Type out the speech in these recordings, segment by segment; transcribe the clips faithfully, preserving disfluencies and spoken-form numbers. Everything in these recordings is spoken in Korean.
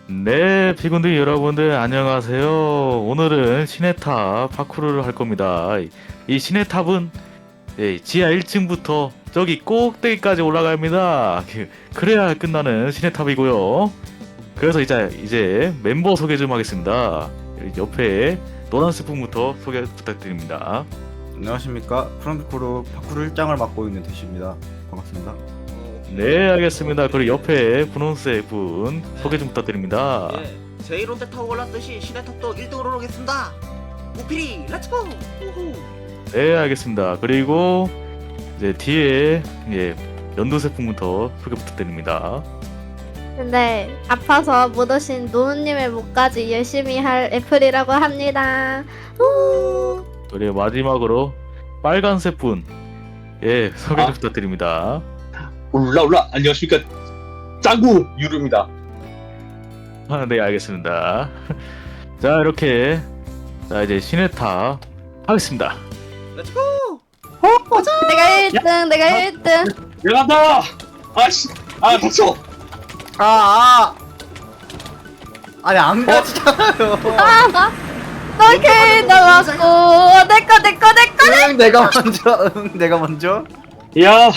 네, 피군들 여러분들 안녕하세요. 오늘은 시내탑 파쿠르를 할 겁니다. 이- 이 시내탑은 예, 지하 일 층부터 저기 꼭대기까지 올라갑니다. 그- 그래야 끝나는 시내탑이고요. 그래서 이제 이제 멤버 소개 좀 하겠습니다. 옆에 노란 스푼부터 소개 부탁드립니다. 안녕하십니까. 프랑크푸르 파쿠르 일 장을 맡고 있는 대시입니다. 반갑습니다. 네, 알겠습니다. 그리고 옆에 분홍색 분 소개 좀 부탁드립니다. 예, 제이론대 타고 올랐듯이 시내탑도 일 등으로 오겠습니다. 우피리 렛츠고! 우후. 네, 알겠습니다. 그리고 이제 뒤에 예, 연두색 분부터 소개 부탁드립니다. 근데 아파서 못 오신 노우님의 목까지 열심히 할 애플이라고 합니다. 우! 그리고 마지막으로 빨간색 분, 예, 소개 좀 아. 부탁드립니다. 올라 올라 안녕하십니까 짱구 유루입니다. 아, 네, 알겠습니다. 자, 이렇게 자 이제 시내탑 하겠습니다. 렛츠고! 내가 일 등, 내가 일 등. 내가 간다. 아씨 아 닥쳐. 아, 아! 아니, 안 가지잖아요. 아, 너게 나왔고 내꺼 내꺼 내꺼. 응, 내가 먼저, 응, 내가 먼저. 야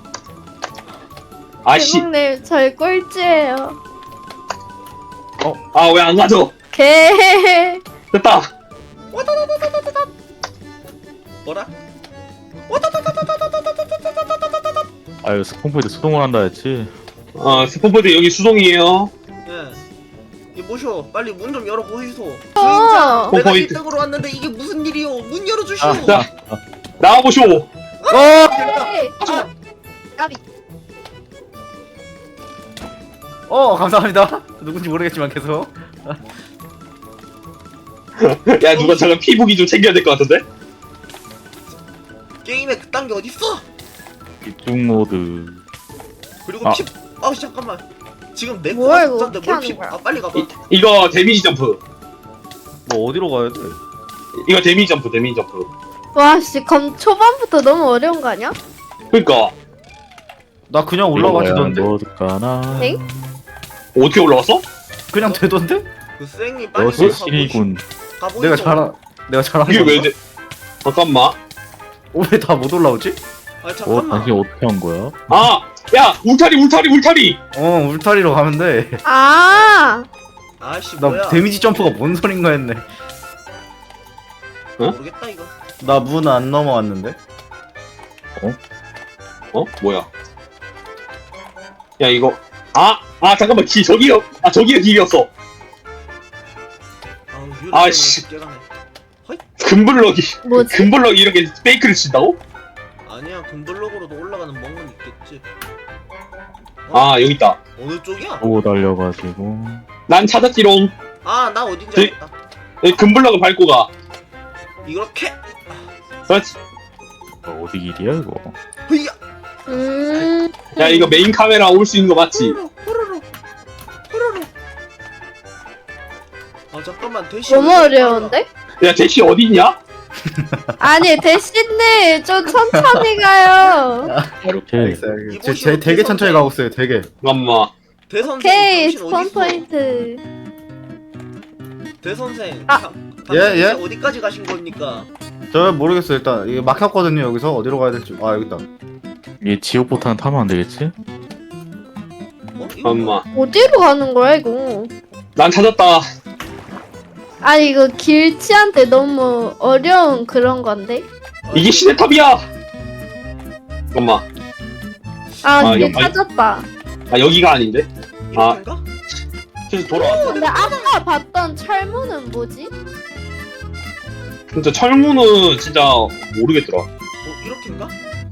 아씨 대박님 저희 꼴찌예요. 아 왜 안 가져? 개. 됐다. 뭐라? 아유, 스폰포인트 수동을 한다 했지. 어 스폰포드 여기 수동이에요. 예. 이 모쇼 빨리 문 좀 열어 보이소. 어. 내가 포인트. 일 등으로 왔는데 이게 무슨 일이요? 문 열어주시오. 아, 자 나와보쇼. 어! 아, 까비. 어, 감사합니다. 누군지 모르겠지만 계속. 야 누가 잠깐 피부기 좀 챙겨야 될 것 같은데? 게임에 그딴 게 어딨어? 집중 모드. 그리고 아. 피. 아 잠깐만. 지금 내 뭐야, 거가 이거 없는데 어떻게 뭘 하는 피? 거야? 아 빨리 가봐. 이, 이거 데미지 점프. 뭐, 어디로 가야 돼? 이거 데미지 점프 데미지 점프. 와씨 검 초반부터 너무 어려운 거 아니야? 그러니까 나 그냥 올라가지던데? 뭐 넣을까나? 엥? 어떻게 올라왔어? 그냥 되던데? 그 쌩이 빨리 역시 신이군. 가보이소. 내가 잘, 내가 잘한 이게 건가? 왜 돼? 잠깐만. 어, 왜 다 못 올라오지? 아 어, 잠깐만. 다시 어떻게 한 거야? 아 야 울타리 울타리 울타리. 어, 울타리로 가면 돼. 아. 아씨 나 뭐야? 데미지 점프가 뭔 소린가 했네. 모르겠다 이거. 나 문 안 넘어왔는데? 어? 뭐야? 야 이거 아! 아 잠깐만 기 저기요 아 저기가 길이었어. 아우 유리 아이씨. 깨가네. 금블럭이 뭐지? 금블럭이 이렇게 페이크를 친다고? 아니야 금블럭으로도 올라가는 멍은 있겠지. 아 여기 있다. 어느 쪽이야? 보고 달려가지고. 난 찾았지롱. 아 나 어딘지 저기- 알겠다. 여기 금블럭을 밟고 가. 이렇게. 그렇지. 어, 어디 길이야 이거? 흐야. 음. 야 이거 메인 카메라 올 수 있는 거 맞지? 호로로 호로로 호로로. 아 잠깐만 대시. 너무 어려운데? 야 대시 어디 있냐? 아니 대신님 좀 천천히 가요. 이렇게. 알겠어요. 제, 이곳이 제 되게 어디서 천천히 돼? 가고 있어요, 되게. 잠깐만. 대선생 오케이 당신 스폰 어디 있어? 포인트. 대선생. 아. 당- 예, 당신 예? 이제 어디까지 가신 겁니까? 저 모르겠어요, 일단. 이게 막혔거든요, 여기서. 어디로 가야 될지. 아, 여기 있다. 이 지옥 보트는 타면 안 되겠지? 어? 이거 뭐야? 잠깐만. 어디로 가는 거야 이거? 난 찾았다. 아니 이거 길치한테 너무 어려운 그런 건데? 아, 이게 이거- 시네탑이야. 잠깐만. 아 아, 이게 여- 아니- 찾았다. 아 여기가 아닌데? 이렇게인가? 그래서 돌아왔어. 근데 아까 봤던 철문은 뭐지? 진짜 철문은 진짜 모르겠더라. 어 이렇게인가?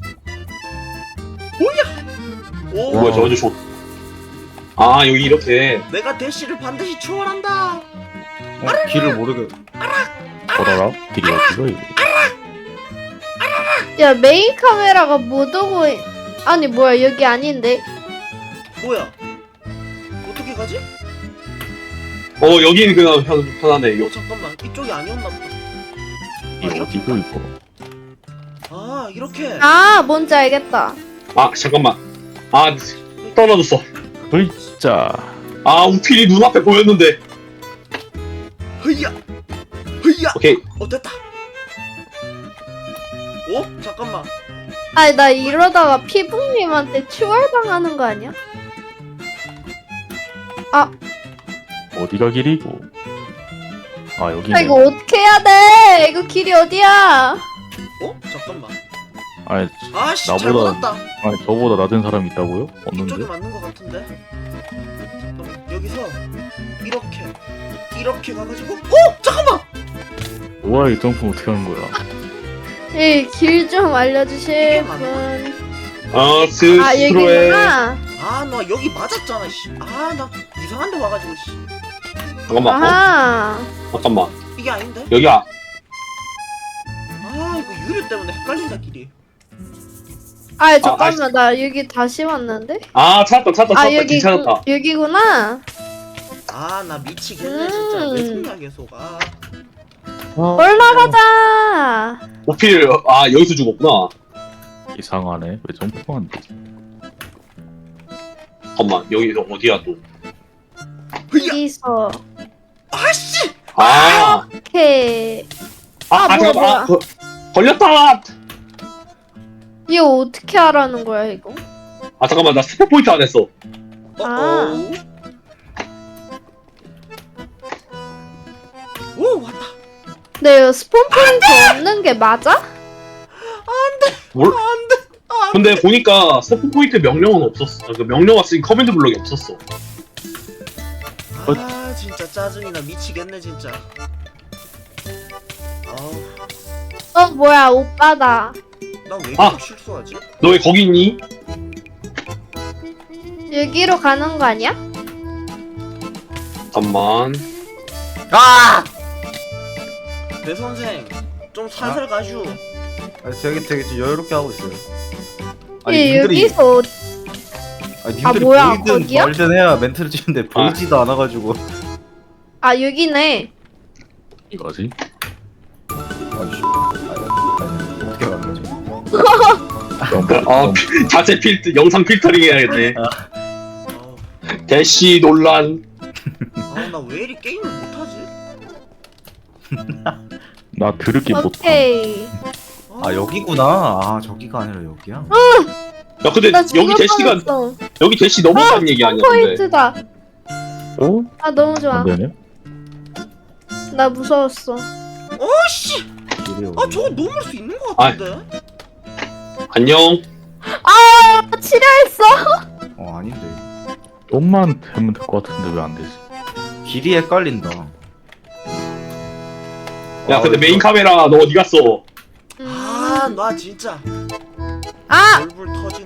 뭐야? 오. 뭐야 저 아주 좋. 아 여기 이렇게. 내가 대시를 반드시 추월한다. 어, 길을 모르겠. 걸어라. 길이 어디가 이거? 야 메인 카메라가 못 오고 있... 아니 뭐야 여기 아닌데? 뭐야? 어떻게 가지? 어 여기는 그냥 편, 편하네. 어 요. 잠깐만 이쪽이 아니었나 보다. 이 어디고 이거? 아 이렇게. 아 뭔지 알겠다. 아 잠깐만. 아 떨어졌어. 글자. 아 우필이 눈앞에 보였는데. 흐야 흐야. 오케이. 어 됐다. 어 잠깐만. 아니 나 이러다가 피부님한테 추월당하는 거 아니야? 어디가 길이고? 아 아 여기네. 이거 어떻게 해야 돼? 이거 길이 어디야? 어 잠깐만. 아니, 아씨 나보다- 잘못 왔다. 아니 저보다 낮은 사람이 있다고요? 이쪽이 없는데? 맞는 것 같은데. 잠깐만 여기서 이렇게 이렇게 가가지고. 어 잠깐만. 뭐야 이 점프 어떻게 하는 거야? 이 길 좀 알려주실 이게 분. 맞나? 아 아 스스로의 여기구나. 아 나 여기 맞았잖아 씨. 아 나 이상한 데 와가지고 씨. 잠깐만. 어? 아하. 잠깐만. 이게 아닌데? 여기야. 아 이거 유리 때문에 헷갈린다 길이. 아 잠깐만 나 여기 다시 왔는데? 아 찾았다 찾았다 아 찾았다 여기 찾았다. 여기구나. 아 나 미치겠네 진짜. 음. 왜 속냐 계속. 아 올라가자. 우필 아 여기서 죽었구나. 이상하네. 왜 점프가 안 되지? 잠깐만 여기 어디야 또? 흐야. 여기서 아씨. 아. 이렇게. 아, 아, 아 뭐야, 잠깐만 뭐야. 아, 거, 걸렸다. 이거 어떻게 하라는 거야 이거? 아 잠깐만 나 스포 포인트 안 했어. 어 아. 어. 오 왔다. 근데 이거 스폰 포인트 없는 게 맞아? 뭘? 안돼. 안 근데 보니까 스포 포인트 명령은 없었어. 그 명령 왔으니 커맨드 블럭이 없었어. 아 진짜 짜증이나 미치겠네 진짜. 아우 어 뭐야 오빠다. 나왜 아. 이렇게 실수하지? 너 왜 거기 있니? 여기로 가는 거 아니야? 잠깐만. 아! 내 선생 좀 살살 가슈. 아, 되게 되게 좀 여유롭게 하고 있어요. 예, 여기서 어- 아니, 아, 님들이 뭐야, 보이든 거기야? 말든 해야 멘트를 치는데 보이지도 않아가지고. 아 여기네. 이거지? 아이씨. 아니, 아니, 어떻게 가는 거죠? 점프. 아 점프. 피- 자체 필터 영상 필터링 해야겠네. 아우 대시 논란. 나 왜 이리 게임을 못하지? 나 드럽게 못함. 오케이. 아 여기구나. 아 저기가 아니라 여기야. 야 근데 나 여기 죽을 대시가 뻔했어. 여기 대시 넘어간 얘기 아니야 근데. 포인트다. 어? 아 너무 좋아. 안 되네? 나 무서웠어. 어씨. 길이 여기. 아 저거 넘을 수 있는 것 같은데. 안녕. 아 치료했어. 어 아닌데. 좀만 되면 될 것 같은데 왜 안 되지? 길이 헷갈린다. 야 아, 근데 메인 이거- 카메라 너 어디 갔어? 아 나 진짜 아 얼굴 터지네.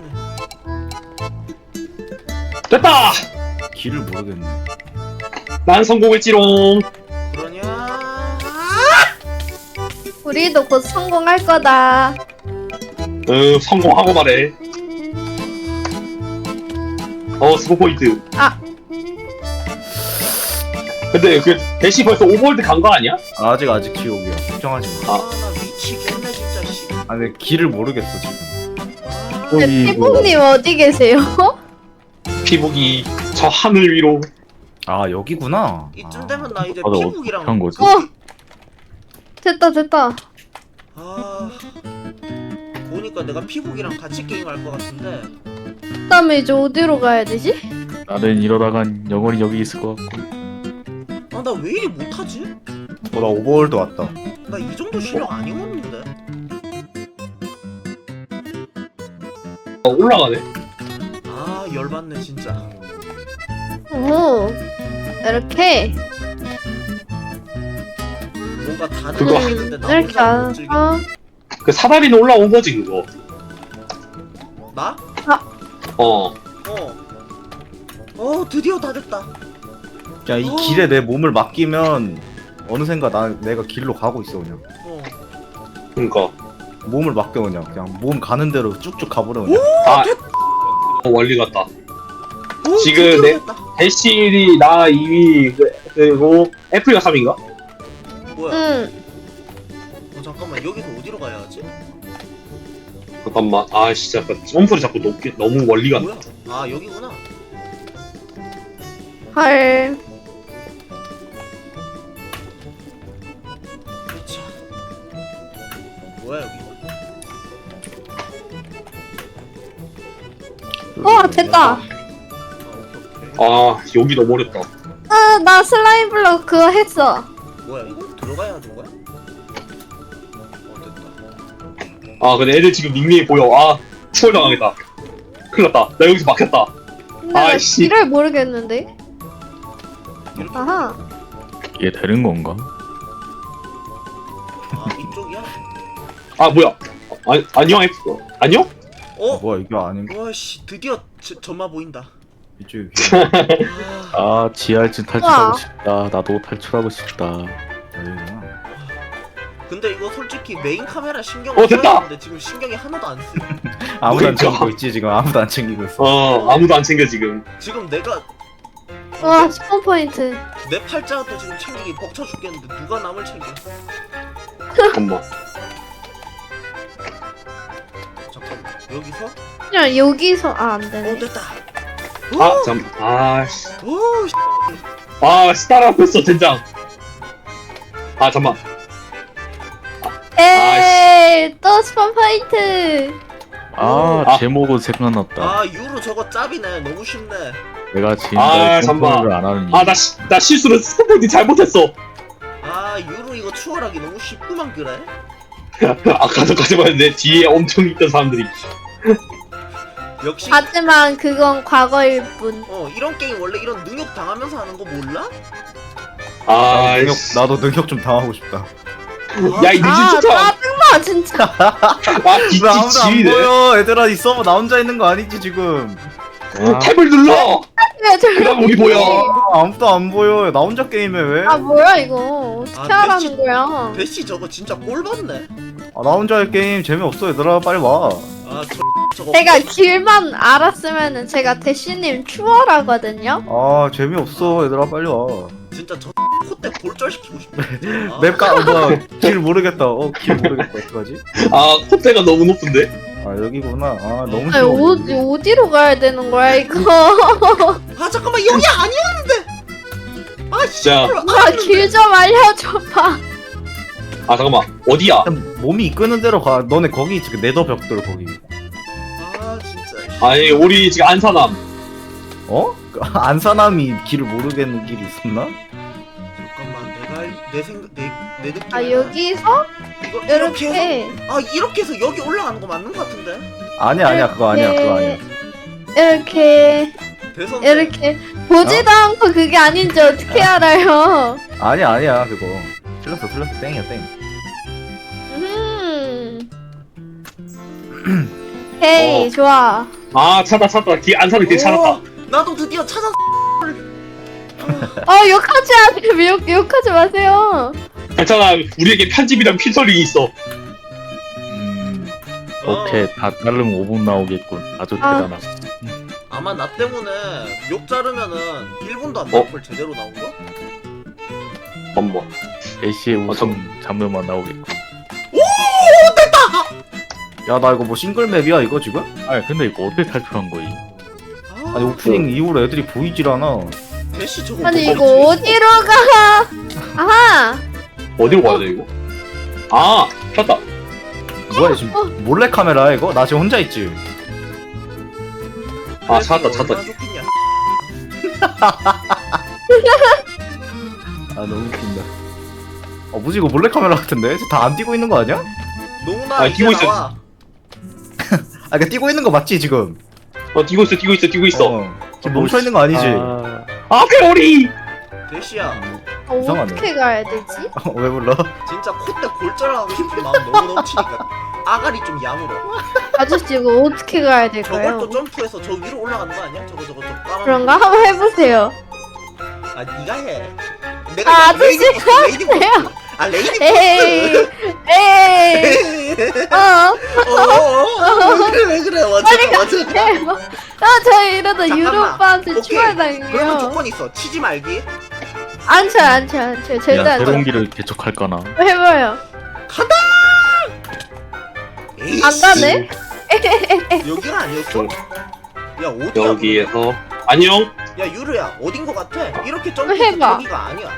됐다. 길을 모르겠네. 난 성공했지롱. 그러냐? 우리도 곧 성공할 거다. 응 성공하고 말해. 어 스포 포인트. 아. 근데 그 대시 벌써 오버월드 간 거 아니야? 아직 아직 지옥이야. 걱정하지 마. 아. 아나 미치겠네 진짜 씨. 아 근데 길을 모르겠어 지금. 아, 어, 이- 피봉님 어디 계세요? 피복이 저 하늘 위로. 아 여기구나. 이쯤 되면 나 이제 아, 너 어떻게 피북이랑 한 거지? 어 됐다 됐다. 아 보니까 내가 피북이랑 같이 게임할 것 같은데. 그다음에 이제 어디로 가야 되지? 나는 이러다간 영원히 여기 있을 것 같고. 아 나 왜 이리 못하지? 어나 오버월드 왔다. 나 이 정도 실력 아니었는데. 어, 올라가네. 아 열받네 진짜. 오 이렇게 뭔가 다들 그거 하는데 나 이렇게 혼자 못 안 즐겨. 어? 그 사다리는 올라온 거지 그거. 나? 어. 어. 어 드디어 다 됐다. 야 이 어. 길에 내 몸을 맡기면 어느샌가 나 내가 길로 가고 있어 그냥. 어. 그러니까. 몸을 맡겨 그냥 그냥 몸 가는 대로 쭉쭉 가버려 그냥. 아 원리 같다. 오, 지금 드디어 내- 됐다. 대시리 나 이 위 그리고 애플이가 삼 위인가? 뭐야? 응. 어 잠깐만 여기서 어디로 가야 하지? 잠깐만. 아 진짜 점프를 자꾸 높게 너무 멀리 간다. 뭐야? 아 여기구나. 헐. 그렇죠. 뭐야 여기? 어, 됐다. 아, 오케이, 오케이. 아 여기 너무 어렵다. 아, 나 슬라임 블록 그거 했어. 뭐야 이거? 들어가야 하는 거야? 어 됐다. 아 근데 애들 지금 닉네임 보여. 아 추월 당하겠다. 큰일 났다. 나 여기서 막혔다. 근데 나 아이씨. 길을 모르겠는데. 이렇게? 아하. 이게 되는 건가? 아 이쪽이야? 아 뭐야? 아, 안녕 F. 안녕? 어? 뭐야 이게 아닌 와씨 드디어 저, 점마 보인다. 이쪽이 아, 아 지하 일 층 탈출하고 우와. 싶다. 나도 탈출하고 싶다. 여기구나. 근데 이거 솔직히 메인 카메라 신경 어, 됐다! 써야 되는데 지금 신경이 하나도 안 쓰여. 아무도 안 그러니까. 챙기고 있지 지금. 아무도 안 챙기고 있어. 어 아무도 안 챙겨 지금. 지금 내가 와, 스폰 포인트. 내 팔자도 지금 챙기기 벅차 죽겠는데 누가 남을 챙겨? 잠깐만. 잠깐만 여기서? 그냥 여기서 아, 안 어 되네. 됐다. 아 잠. 아씨. 오, 씨. 아 스타라고 젠장. 아 잠만. 에이, 또 스폰 포인트. 아, 아. 제목은 생각났다. 아 유로 저거 짭이네. 너무 쉽네. 내가 아, 지금까지 잠깐만. 컨트롤을 안 하는 이유. 아 나 나 실수로 스포인트 잘못했어. 아 유로 이거 추월하기 너무 쉽구만 그래? 아까도까지 봤는데 뒤에 엄청 있던 사람들이. 역시 하지만 그건 과거일 뿐. 어 이런 게임 원래 이런 능욕 당하면서 하는 거 몰라? 아 나도 능력, 씨. 나도 능력 좀 당하고 싶다. 야 이 늦은 아, 쫓아. 짜증나 진짜. 아 왜 뒤뒤 아무도 안 지휘네. 보여? 얘들아 이 서버 나 혼자 있는 거 아니지 지금? 아, 탭을 눌러. 왜 저렇게 그럼 우리 보여. 아, 아무도 안 보여. 나 혼자 게임해 왜? 아 뭐야 이거 어떻게 아, 하라는 대신- 거야? 대시 저거 진짜 꼴 받네. 아, 나 혼자 할 게임 재미없어. 얘들아 빨리 와. 아저 저거 제가 길만 알았으면은 제가 대시님 추월하거든요. 아 재미없어. 얘들아 빨리 와. 진짜 저 콧대 골절시키고 싶네. 아, 맵가 뭐길 모르겠다. 어길 모르겠다. 어떡하지? 아 콧대가 너무 높은데. 아 여기구나. 아 너무 아니 싫어. 어디 어디로 가야 되는 거야 이거? 아 잠깐만 여기 아니었는데. 아 씨. 자. 아길 좀 알려줘봐. 아 잠깐만 어디야? 일단 몸이 이끄는 대로 가. 너네 거기 지금 네더 벽돌 거기. 아 진짜. 아니 우리 지금 안산함. 어? 안 사람이 길을 모르겠는 길이 있었나? 잠깐만 내가 알- 내 생각 내내 느낌. 아 여기서 이거 이렇게 해서 이렇게 아 이렇게 해서 여기 올라가는 거 맞는 거 같은데. 아니야 아니야 그거 아니야 그거 아니야. 이렇게 대선 이렇게 보지도 어? 않고 그게 아닌지 어떻게 알아요? 아니야 아니야 그거. 틀렸어 틀렸어 땡이야 땡. 음. 헤이 어. 좋아. 아 찾다 찾다 길 안산을 길 찾았다. 오, 나도 드디어 찾았어. 어 욕하지 않으세요. 욕 욕하지 마세요. 괜찮아 우리에게 편집이란 필터링이 있어. 음, 어, 오케이 다 자르면 오 분 나오겠군. 아주 아. 대단하다. 아마 나 때문에 욕 자르면은 일 분도 안 어? 나올 걸 제대로 나온 거? 엄마. 애쉬의 아, 우승 장면만 나오겠군. 야 나 이거 뭐 싱글맵이야 이거 지금? 아 근데 이거 어떻게 탈출한 거이? 아, 아니 오프닝 이후로 애들이 보이질 않아. 대시 저거 아니 뭐 이거 어디지? 어디로 가? 아하. 어디로 가야 돼 이거? 아 찾다. 뭐야 지금 몰래 카메라야 이거? 나 지금 혼자 있지. 아 찾았다 얼마나 찾았다. 좋겠냐. 아 너무 웃긴다. 어 뭐지 이거 몰래 카메라 같은데? 다 안 뛰고 있는 거 아니야? 농나 아, 이제 뛰고 있어. 나와. 아 그러니까 뛰고 있는 거 맞지 지금? 어 뛰고 있어 뛰고 있어 뛰고 있어. 어. 지금 멈춰 있는 거 아니지? 아, 아 회오리. 대시야 어, 이상하네. 어떻게 가야 되지? 어, 왜 불러? 진짜 콧대 골절하고 싶은 마음 너무 넘치니까 아가리 좀 야물어. 아저씨 이거 어떻게 가야 될까요? 저걸 또 점프해서 저 위로 올라가는 거 아니야? 저거 저거 저 까만. 그런가? 한번 해보세요. 아 네가 해. 내가 아, 레이디 아저씨가 포스, 레이디 포스. 아 레이디 에이, 포스. 에이, 어, 어어어 그래 왜 그래 빨리 맞아 맞아. 가세요. 아, 저 이러다 잠깐만. 유로 오빠한테 오케이. 그러면 추월당해요. 조건 있어. 치지 말기. 안 쳐요, 안 쳐요, 안 쳐요. 절대 야 안 쳐요. 대롱기를 개척할까나? 해봐요. 에이씨. 안 가네? 여기가 아니었어? 야 어디야? 여기에서 안녕. 야 유르야 어딘 거 같아? 이렇게 점프 해봐. 저기가 아니야.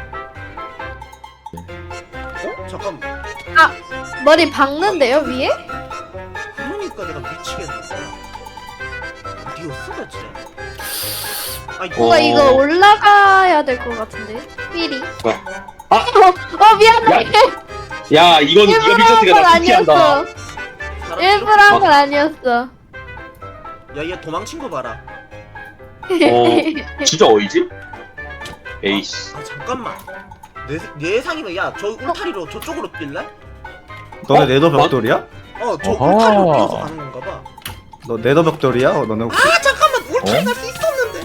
어? 잠깐. 머리 박는데요 위에? 그러니까 내가 미치겠는데. 어디였어 대체? 아니 뭔가 어. 이거 올라가야 될 것 같은데 삐리. 아! 어, 어 미안해. 야 이건 네가 일부러 한 미쳤으니까 건 나 피한다. 아니었어. 사람 일부러 이렇게- 한 건 아니었어. 야얘 도망친 거 봐라. 어 진짜 어이지? 에이씨. 아 잠깐만. 내, 내 예상이면 야 저 울타리로 저쪽으로 뛸래? 너네 어? 네더 벽돌이야? 어저 어허. 울타리로 뛰어서 가는 건가 봐. 너 네더 벽돌이야? 어, 너네 혹시 아 잠깐만 울타리 어? 갈 수 있었는데.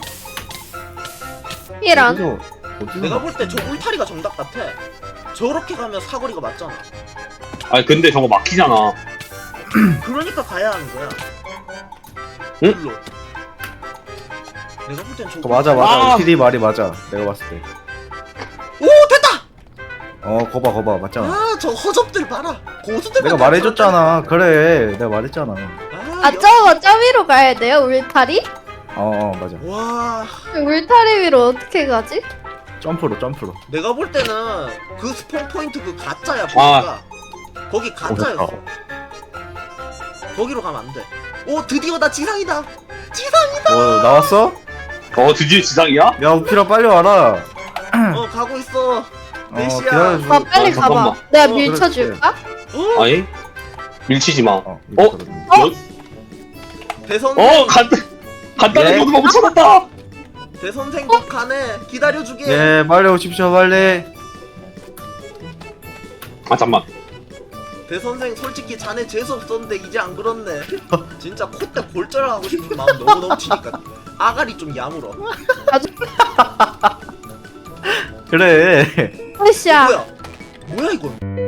이런. 어디서 어디서 내가 나- 볼 때 저 울타리가 정답 같아. 저렇게 가면 사거리가 맞잖아. 아니 근데 저거 막히잖아. 그러니까 가야 하는 거야. 응? 일로. 내가 볼 땐 저. 어, 맞아 맞아 아! 피디 말이 맞아 내가 봤을 때. 오 됐다. 어 거봐 거봐 맞잖아. 아 저 허접들 봐라. 고수들. 내가 말해줬잖아. 그래 내가 말했잖아. 아 저거 저 위로 가야 돼요 울타리? 어, 어 맞아. 와 울타리 위로 어떻게 가지? 점프로 점프로. 내가 볼 때는 그 스폰 포인트 그 가짜야 보니까 거기 가짜였어. 거기로 가면 안 돼. 오 드디어 나 지상이다. 지상. 어 나왔어? 어 드디어 지상이야? 야 우피라 빨리 와라. 어 가고 있어. 어 몇 시야? 기다려줘. 아 빨리 아, 가봐. 잠깐만. 내가 어, 밀쳐줄까? 어 아니 밀치지 마. 어, 어? 어? 여, 대선 어 간, 간단한 예? 모드가 붙여놨다. 대선생 곧 가네. 기다려주게. 예 빨리 오십시오 빨리. 아 잠만. 대선생 솔직히 자네 재수 없었는데 이제 안 그렇네. 진짜 콧대 골절하고 싶은 마음 너무 넘치니까 아가리 좀 야물어. 그래. 으쌰. 뭐야? 뭐야 이거?